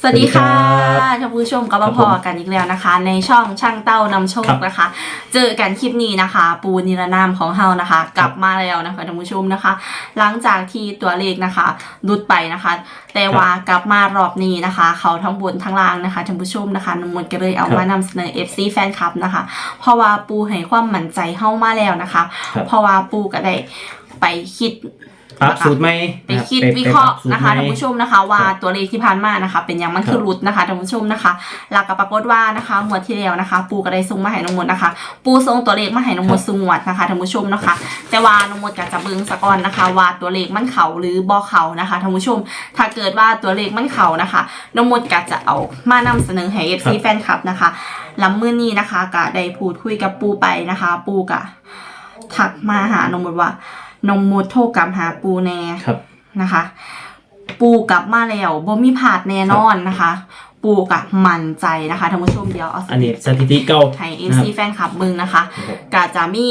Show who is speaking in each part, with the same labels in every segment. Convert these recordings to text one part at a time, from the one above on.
Speaker 1: สวัสดีค่ะท่านผู้ชมกับพอกันอีกแล้วนะคะในช่องช่างเต้านำโชคนะคะเจอกันคลิปนี้นะคะปูนิรนามของเฮานะคะกลับมาแล้วนะคะท่านผู้ชมนะคะหลังจากที่ตัวเลขนะคะลุดไปนะคะแต่ว่ากลับมารอบนี้นะคะเขาทั้งบนทั้งล่างนะคะท่านผู้ชมนะคะนมนก็เลยเอามานำเสนอ FC แฟนคลับนะคะเพราะว่าปูให้ความมั่นใจเฮามาแล้วนะคะเพราะว่าปูก็ได้ไปคิด
Speaker 2: ปรับสูตรไหม
Speaker 1: ไปคิดวิเคราะห์นะคะท่านผู้ชมนะคะว่าตัวเลขที่ผ่านมานะคะเป็นอย่างมันคือรุดนะคะท่านผู้ชมนะคะหลักกับปรากฏว่านะคะงวดที่แล้วนะคะปูก็ได้ส่งมาให้น้องมดนะคะปูส่งตัวเลขมาให้น้องมดส่งงวดนะคะท่านผู้ชมนะคะแต่ว่าน้องมดก็จะเบิ่งสะก่อนนะคะว่าตัวเลขมันเข่าหรือบ่เข่านะคะท่านผู้ชมถ้าเกิดว่าตัวเลขมันเข่านะคะน้องมดก็จะเอามานำเสนอให้ FC แฟนคลับนะคะลำมื้อนี้นะคะก็ได้พูดคุยกับปูไปนะคะปูก็ทักมาหาน้องมดว่านมมดโทรกลับหาปูแน่นะคะ ปูกลับมาแล้วบ่มีผาดแน่นอนนะคะ ปูกับมั่นใจนะคะท่านผู้ชมเดี๋ยวเอา
Speaker 2: อันนี้สถิติเก่า
Speaker 1: ให้ FC แฟนคลับมึงนะคะก็จะมี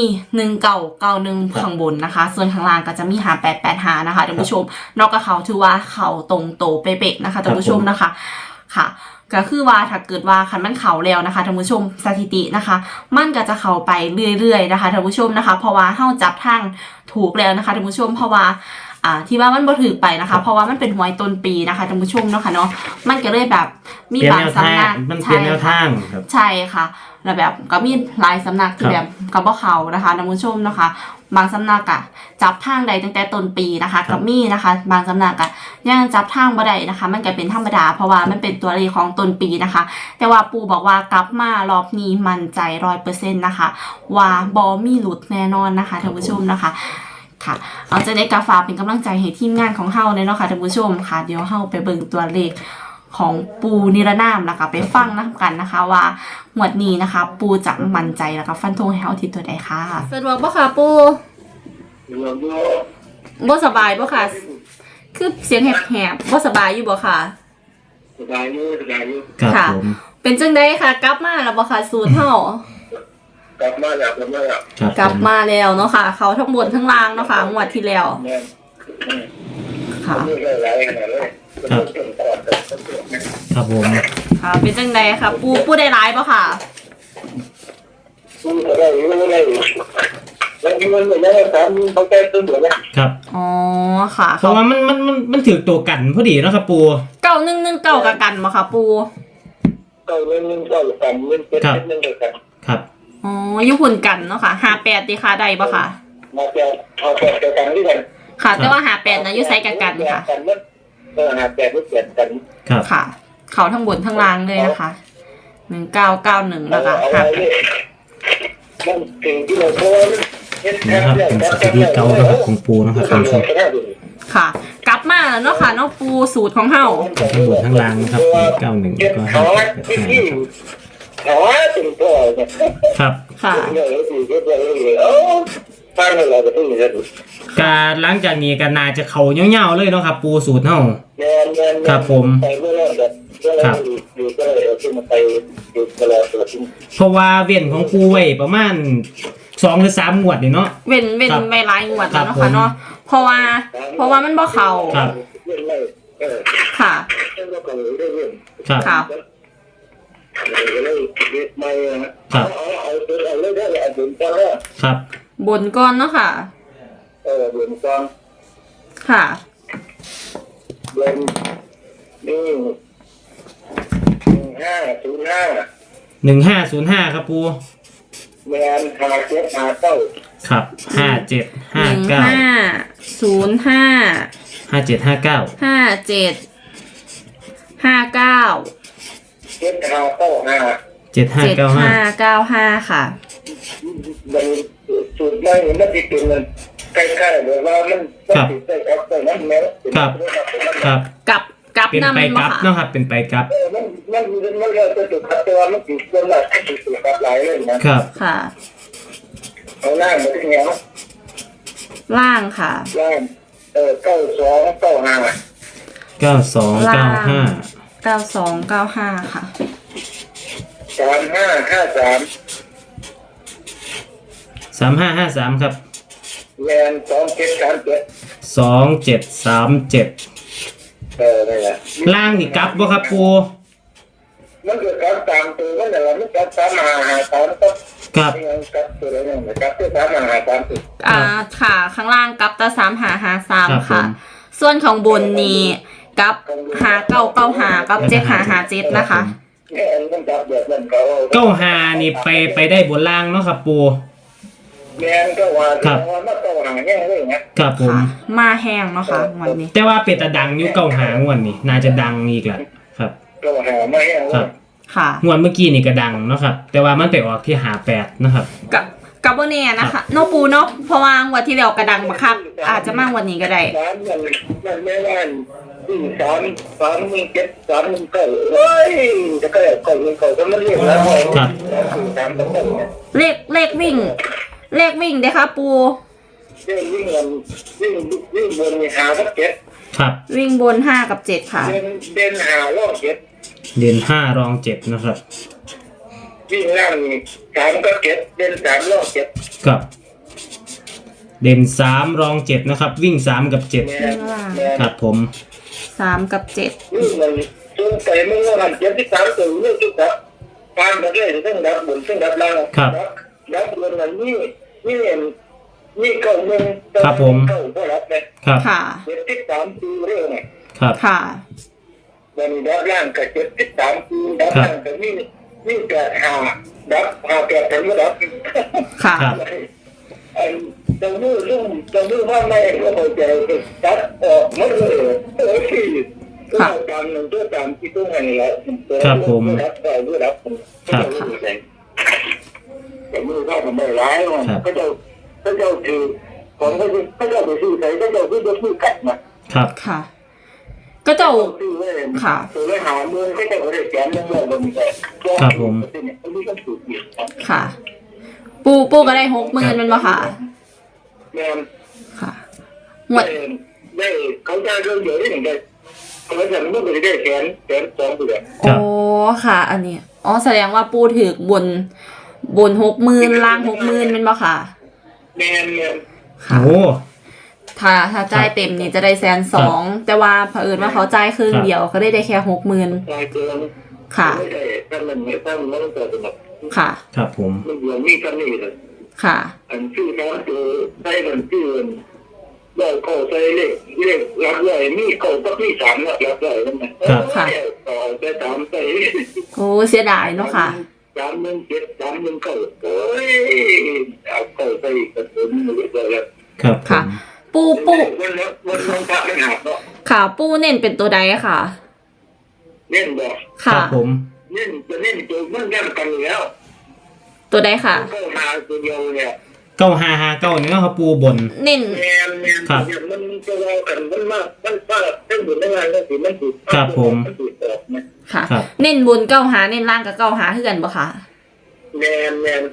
Speaker 1: 1991ข้างบนนะคะส่วนข้างล่างก็จะมี5885นะคะท่านผู้ชมนอกจากเขาถือว่าเขาตรงโตเป๊ะๆนะคะท่านผู้ชมนะคะค่ะก็คือว่าถ้าเกิดว่าคันมันเข่าแล้วนะคะท่านผู้ชมสถิตินะคะมันก็จะเข่าไปเรื่อยๆนะคะท่านผู้ชมนะคะเพราะว่าเฮาจับทางถูกแล้วนะคะท่านผู้ชมเพราะว่าที่ว่ามันบ่ถือไปนะคะเพราะว่ามันเป็นหวยต้นปีนะคะท่านผู้ชมเนาะค่ะเนาะมันก็เลยแบบมีบางสำนัก
Speaker 2: มันเปลี่ยนแนวทางครับ
Speaker 1: ใช่ค่ะแล้วแบบก็มีหลายสำนักที่แบบกับบ่เขานะคะท่านผู้ชมนะคะบางสำนักจับทางใดตั้งแต่ต้นปีนะคะกับมีนะคะบางสำนักยังจับทางบ่ได้นะคะมันก็เป็นธรรมดาเพราะว่ามันเป็นตัวเลขของต้นปีนะคะแต่ว่าปู่บอกว่ากลับมารอบนี้มั่นใจ 100% นะคะว่าบ่มีหลุดแน่นอนนะคะท่านผู้ชมนะคะค่ะเอาจะได้กาฝากเป็นกำลังใจให้ทีมงานของเฮาเลยเนาะค่ะท่านผู้ชมค่ะเดี๋ยวเฮาไปเบิ่งตัวเลขของปูนิรนามแล้วก็ไปฟังนะกันนะคะว่าหมวดนี้นะคะปูจะมั่นใจแล้วก็ฟันธงให้เฮาที่ตัวใดค่ะสะดวกบ่ค่ะปูบ่สบายบ่ค่ะคือเสียงแหบๆบ่สบายอยู่บ่ค่ะ
Speaker 3: สบายอยู่
Speaker 1: ค่ะเป็นจังได๋ค่ะกลับมาแล้วบ่ค่ะสูตรเฮาก
Speaker 3: ลับมาแล้ว
Speaker 1: กลับมาแล้วเนาะค่ะเขาทั้งบนทั้งล่างเนาะค่ะงวดที่แล้วค่ะ
Speaker 2: ครับผม
Speaker 1: ค่ะเป็นจังไดค่ะปูได้ร้ายป่ะค่ะ
Speaker 3: ปูได้แล้วมีมันไม่ได้ครับเขาแก้ตัวเหมือนกัน
Speaker 2: ครับ
Speaker 1: อ๋อค่ะ
Speaker 2: เพราะว่ามันถือตัวกันพอดีเนาะครับปู
Speaker 1: 9119กับกันบ่ค่ะปู
Speaker 3: 9119กัน171กัน
Speaker 2: ครับ
Speaker 1: อ๋ออยู่หุ่นกันเนาะค่ะ58ดิค่ะได้ป่ะค่ะ
Speaker 3: 58กันด้วยกัน
Speaker 1: ค่ะแต่ว่า58นะอยู่ไซกับกันค่ะ
Speaker 3: 58นี่เปลี่ยนกัน
Speaker 2: ครับ
Speaker 1: ค่ะเขาทั้งบนทั้งล่างเลยนะคะ1991แล้วก็
Speaker 3: มันถึงที่เรา
Speaker 2: นะครับเป็นสถิติเก่านะครับของปูนะครับท่านผู้ชม
Speaker 1: ค่ะกลับมาแล้วเนาะค่ะเนาะปูสูตรของเฮา
Speaker 2: ทั้งบนทั้งล่างนะครับ91ก็ครับ
Speaker 1: ค่ะ
Speaker 2: การหลังจากนี้ก็น่าจะเขาเงาๆเลยเนาะครับปูสูตรเฮาครับผมครับเพราะว่าเว้นของปูไว้ประมาณ2 หรือ 3งวดนี่เนาะ
Speaker 1: เว้นไม่หลายงวดแล้วเนาะค่ะเนาะเพราะว่ามันบ่เข้า
Speaker 2: ครับ
Speaker 1: ค่ะ
Speaker 2: ครับ
Speaker 1: ครับ
Speaker 2: ครับ
Speaker 1: บนก้อนเนาะค่ะ
Speaker 3: บนก้อน
Speaker 1: ค่ะ
Speaker 3: บนนี่
Speaker 2: 1505ครับปู
Speaker 3: แมน5759
Speaker 2: ครับ5759
Speaker 1: 5759 7595ค่ะ
Speaker 3: มันสูตรไม่มันติดตัวมันใกล้ๆแบบว่ามันติดใส่กับนั้นแม้
Speaker 1: กับ
Speaker 2: เป็นไปกับเนาะครับเป็นไปกับ
Speaker 3: มันจะจุดครับแต่ว่ามันติดตัวหลักติดตัวกับหลายเลยนะครับ
Speaker 1: ค่ะ
Speaker 3: เอาล่างมาที่เหนียว
Speaker 1: ล่างค่ะ
Speaker 3: ล่าง
Speaker 1: 9295ค่ะ
Speaker 2: 3553ครับ
Speaker 3: แมน2737 นี่แหละ
Speaker 2: ล่างนี่กลับบ่ครับปู
Speaker 3: มันเกิดการตามตัวมันอะไรมันการตามหาตามก็
Speaker 2: ครับ
Speaker 3: ยังกับตัวอะไรเนี่ยกับตัวตามหาตามตัว
Speaker 1: ค่ะข้างล่างกับตา3 5 5 3
Speaker 2: ครั
Speaker 1: ค่ะ
Speaker 2: บผม
Speaker 1: ส่วนของบนนี้กับ5 9 9 5กับ7 5 5 7นะคะ
Speaker 3: เนี่ยมันจับแบบนั้นเขา
Speaker 2: เก้าหานี่ไปได้บนล่างเนาะครับปู
Speaker 3: แมนก็ว่าว่ามาเก้าหาแง่เลยนะครับ
Speaker 2: ผม
Speaker 1: ค่ะ มาแห้งเนาะค่ะวันนี้
Speaker 2: แต่ว่าเป็ดตะดังอยู่เก้าหางวดนี่น่าจะดังอีกแหละครับ
Speaker 3: เก้าหาไม่แง่เล
Speaker 2: ครั
Speaker 3: ย
Speaker 2: บ
Speaker 1: ค่ะ
Speaker 2: งวดเมื่อกี้นี่ก็ดังเนาะครับแต่ว่ามันไปออกที่หา8นะครับ
Speaker 1: กับโบเน่นะคะโนปูเนาะเพราะว่างวันที่แล้วกระดังบักคับอาจจะมากวันนี้ก็ได้
Speaker 3: ร้านมันไม่ว่าน3 1 7 3 1 9เฮ้ยจะก็ก็มันเรียกแล้ว
Speaker 2: ครับ
Speaker 3: 3ต้องเนี่ย
Speaker 1: เลขวิ่งเด้อค่ะปู
Speaker 3: วิ่งบนหาสัก7
Speaker 2: ครับ
Speaker 1: วิ่งบน5 กับ 7 ค่ะ
Speaker 3: เดินหาลอก7
Speaker 2: เด่น5รอง7นะครับ
Speaker 3: วิ่งล่าง3กับ7เดิน3ลอก7
Speaker 2: ครับเด่น3รอง7นะครับวิ่ง3กับ7ครับผม
Speaker 1: 3 กับ 7
Speaker 3: นี่มันซึ่งไปมึงว่ามัน73ตัวนี่จุดครับการแบบนี้ซึ่งดับบนซึ่งดับล่างดับบนมันนี่เก่ามึงเก่าก็รับเลย
Speaker 2: ครับ
Speaker 1: ค่ะ
Speaker 3: 73ตัวเรื่องไง
Speaker 2: ครับ
Speaker 1: ค่ะ
Speaker 3: มันดับล่างกับ73ตัวดับล่างกับนี่ก็หาแปดถึงดับ
Speaker 1: ค่ะ
Speaker 2: ครับ
Speaker 3: จะมือว่าไม่ก็พอใจดับออกหมดเลยที่ตัวตามหนึ่งตัวตามที่ตัวไหนแล้วดับได้ด้วยดับแต่มือเข้ามันได้ร้ายมันก็จะถือของก็จะไปซื้อใส่ก็จะซื้อจะซื้อกัดนะครับ
Speaker 1: ค่ะ ก็เจ้า
Speaker 3: ซื้อเลย
Speaker 1: ค่ะ
Speaker 3: ซื้อเลยหาเมืองก็จะได้แสนนึงเลยมันแต่นี่ก็ถูกอยู่
Speaker 1: ค่ะ ปูก็ได้60,000มันบ่ค่ะ
Speaker 3: แม่
Speaker 1: ค่ะหมด
Speaker 3: ได้เขาได้เรื่องเยอะที่หนึ่งได้เขาจะไม่ได้แสน2ตัว
Speaker 1: โอ้ค่ะ อันนี้อ๋อแสดงว่าปูถือบน60,000ล่าง60,000มันบ่ค่ะ
Speaker 3: แม่
Speaker 1: ค่ะ
Speaker 2: โอ้
Speaker 1: ถ้าจ่ายเต็มนี่จะได้120,000แต่ว่าเผอิญว่าเขาจ่ายครึ่งเดียวเขาได้แค่60,000
Speaker 3: รายเดือน
Speaker 1: ค่ะ
Speaker 3: ไม่ได้ถ้ามันไม่ตั้งมันต้องเกิดแบบ
Speaker 1: ค่ะ
Speaker 2: ครับผม
Speaker 3: มันเหมือนมีกันนี่เลย
Speaker 1: ค่ะ
Speaker 3: อันชื่อน้ำตัวได้มันชื่อได้เข้าใส่เลขรับเลยมีเข้าก็มี3แล้วรับเลยนั่นแหละต่อไป3ใส่
Speaker 1: โอ้เสียดายเนาะค่ะ
Speaker 3: 317 319โอ้ยเอาเข้าใส่กระสุนเลยแล้ว
Speaker 2: ครับผม
Speaker 1: ค่ะ ปู
Speaker 3: วันพระไม่หักเนาะ
Speaker 1: ค่ะ ปูเน้นเป็นตัวใดค่ะ
Speaker 3: เล่นบอก
Speaker 2: ครั
Speaker 1: ค่ะ
Speaker 2: บผม
Speaker 3: เล่นจะเล่นตัวมันแย่งกันแล้ว
Speaker 1: ตัวใดค่ะ
Speaker 3: ก็หาตัวเดียวเนี่ย
Speaker 2: 9559นี่เนาะครับปูบน
Speaker 1: เน้น
Speaker 3: แมนมันจะรอกันมันมากมันฟาดทั้งหมดทั้งงานก็สิมันถูกมันถูกออกนะ
Speaker 1: ค่ะ
Speaker 2: ครับ
Speaker 1: เน้นบน9หาเน้นล่างกับ9หาคือกันบ่ค่ะ
Speaker 3: แมน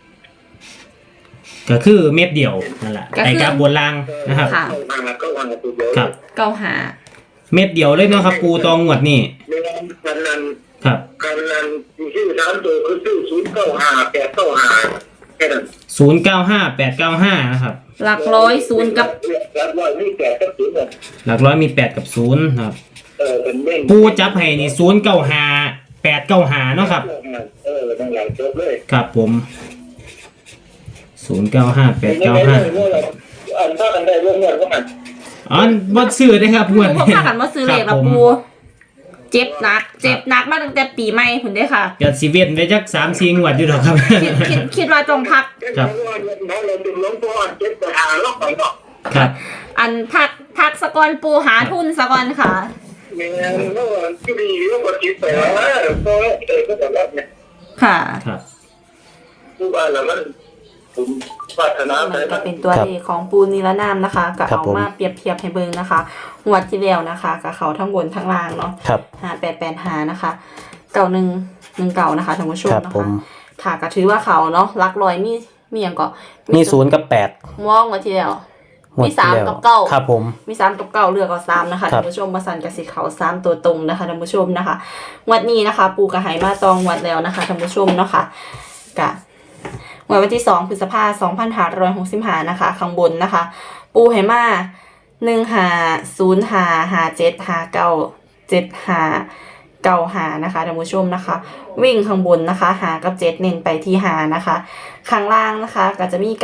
Speaker 2: ก็คือเม็ดเดียวนั่นแหละไอ้กับบนล่างนะครับ
Speaker 1: ค่ะ
Speaker 3: ก็วางตัวเดียว
Speaker 2: ครับ
Speaker 1: 9หา
Speaker 2: เม็ดเดียวเลยเนาะครับปูตองงวดนี่
Speaker 3: แมนกันนั้น
Speaker 2: ครับ
Speaker 3: ชื่อ3ตัวคือชื่อ095 895แค่นั้น
Speaker 2: 095895นะครับ
Speaker 1: หลักร้อย0กับ
Speaker 3: รับร้อยนี่8กับ0เนี่ย
Speaker 2: หลักร้อยมี8กับ0นะครับ
Speaker 3: เป็นเม่ง
Speaker 2: ปูจับให้นี่095895เนาะครับ
Speaker 3: นั่นแหละจบเลย
Speaker 2: ครับผม095895
Speaker 3: อันถ้ากันได้เรื่องเงินก็มัน
Speaker 2: อ๋อบ่ซื้อได้ครับง
Speaker 1: ปู
Speaker 2: วด
Speaker 1: เขา
Speaker 2: นี้
Speaker 1: พากันมาซื้อเลข
Speaker 2: ครั
Speaker 1: ละ
Speaker 2: บผม
Speaker 1: ปูเจ็บหนักมาตั้งแต่ปีใหม่พุ่นเด้อค่ะ
Speaker 2: อย่าสิเว้นไปจัก3-4งวดอยู่ดอกครับ
Speaker 1: คิดว่าต้องพัก
Speaker 3: เราเป็นหลวงพ่อเจ็บแต่หาล็อกไปเนาะ
Speaker 2: ครับ
Speaker 1: อันพักสะกอนปูหาทุนสะกอนค่ะ
Speaker 3: มีงานเมื่อวันที่ดีแล้วก็คิดไปว่าก็ก็จะรับเนี่ย
Speaker 1: ค่ะ
Speaker 2: ครับ
Speaker 3: ผู้บ้านเรามันผมปรารถนาไป
Speaker 1: มันก็เป็นตัวเลขของปูนิรนามนะคะก็เอามาเปรียบเทียบให้เบิ่งนะคะงวดที่แล้วนะคะกับเขาทั้งบนทั้งล่างเนาะ
Speaker 4: ครับ
Speaker 1: 5885นะคะ9119นะคะท่านผู้ชม
Speaker 4: ครับ
Speaker 1: นะ
Speaker 4: ผ
Speaker 1: คะ
Speaker 4: ม
Speaker 1: ค่ะก็ถือว่าเขาเนาะรักร้อยมีอย่างก็
Speaker 4: มี0กับ8
Speaker 1: มองมาทีเดียว
Speaker 4: งวด
Speaker 1: มี
Speaker 4: ที่แล้ว
Speaker 1: 3 กับ 9
Speaker 4: ครับผม
Speaker 1: มี3 กับ 9เลือกเอา3นะคะ
Speaker 4: ครั
Speaker 1: ท่า
Speaker 4: บ
Speaker 1: นผู้ชมมาสั่นกับสิเขา3ตัวตรงนะคะท่านผู้ชมนะคะงวดนี้นะคะ ปูกระหายมาตองงวดแล้วนะคะท่านผู้ชมเนาะค่ะกะงวดวันที่2พฤษภาคม2565นะคะข้างบนนะคะ ปูไหมา 1505575975นะคะท่านผู้ชมนะคะวิ่งข้างบนนะคะหากับ7เน้นไปที่หานะคะข้างล่างนะคะก็จะมี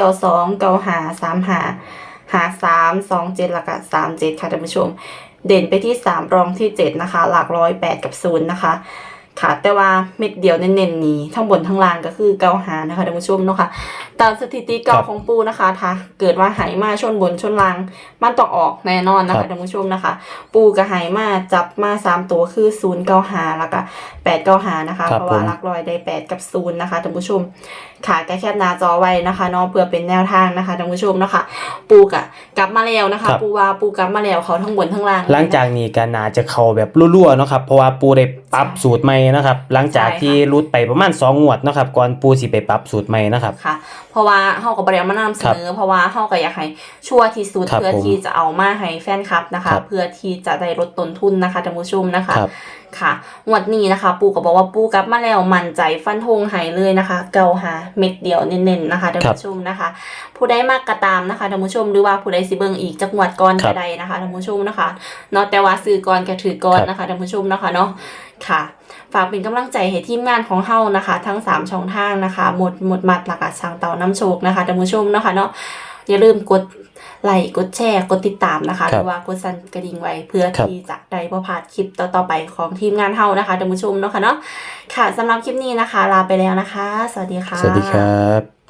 Speaker 1: 9295355327แล้วก็37ค่ะท่านผู้ชมเด่นไปที่3รองที่7นะคะหลักร้อย8กับ0นะคะค่ะแต่ว่าเม็ดเดียวเน้นๆนี้ทั้งบนทั้งล่างก็คือ95นะคะท่านผู้ชมเนาะค่ะตามสถิติเก่าของปูนะคะถ้าเกิดว่าไหมาชนบนชนล่างมันต้องออกแน่นอนนะคะท่านผู้ชมนะคะปูกับไหมาจับมา3ตัวคือ095แล้วก็895นะคะเพราะว่าหลักร้อยได้8กับ0นะคะท่านผู้ชมค่ะแคปหน้าจอไว้นะคะเนาะเพื่อเป็นแนวทางนะคะท่านผู้ชมนะคะปูกลับมาแล้วนะคะปูว่าปูกลับมาแล้วเขาทั้งบนทั้งล่าง
Speaker 4: หลังจากนี้ก็น่าจะเข้าแบบรั่วๆเนาะครับเพราะว่าปูได้ปรับสูตรใหม่นะครับหลังจากที่รุดไปประมาณ2งวดเนาะครับก่อนปูสิไปปรับสูตรใหม่นะครับ
Speaker 1: ค่ะเพราะว่าเฮาก็บ่ได้มานำเสนอเพราะว่าเฮาก็อยากให้ชัวร์ที่สุดเพื่อที่จะเอามาให้แฟนคลับนะคะเพื่อที่จะได้ลดต้นทุนนะคะท่านผู้ชมนะคะค่ะงวดนี้นะคะปูก็บอกว่าปูกลับมาแล้วมั่นใจฟันธงให้เลยนะคะเกาหาเม็ดเดียวเน้นๆนะคะท่านผู้ชมนะคะผู้ใดมากก็ตามนะคะท่านผู้ชมหรือว่าผู้ใดสิเบิ่งอีกจักงวดก่อนก็ได้นะคะท่านผู้ชมนะคะเนาะแต่ว่าซื้อก่อนก็ถือก่อนนะคะท่านผู้ชมนะคะเนาะค่ะฝากเป็นกำลังใจให้ทีมงานของเฮานะคะทั้ง3ช่องทางนะคะหมดมัดหลักช่างเต่าน้ำโชคนะคะท่านผู้ชมนะคะเนาะอย่าลืมกดไลค์กดแชร์กดติดตามนะคะหรือว่ากดสั่นกระดิ่งไว้เพื่อที่จะได้บ่พลาดคลิปต่อๆไปของทีมงานเฮานะคะท่านผู้ชมเนาะค่ะเนาะค่ะสำหรับคลิปนี้นะคะลาไปแล้วนะคะสวัสดีค่ะ
Speaker 4: สวัสดีครับ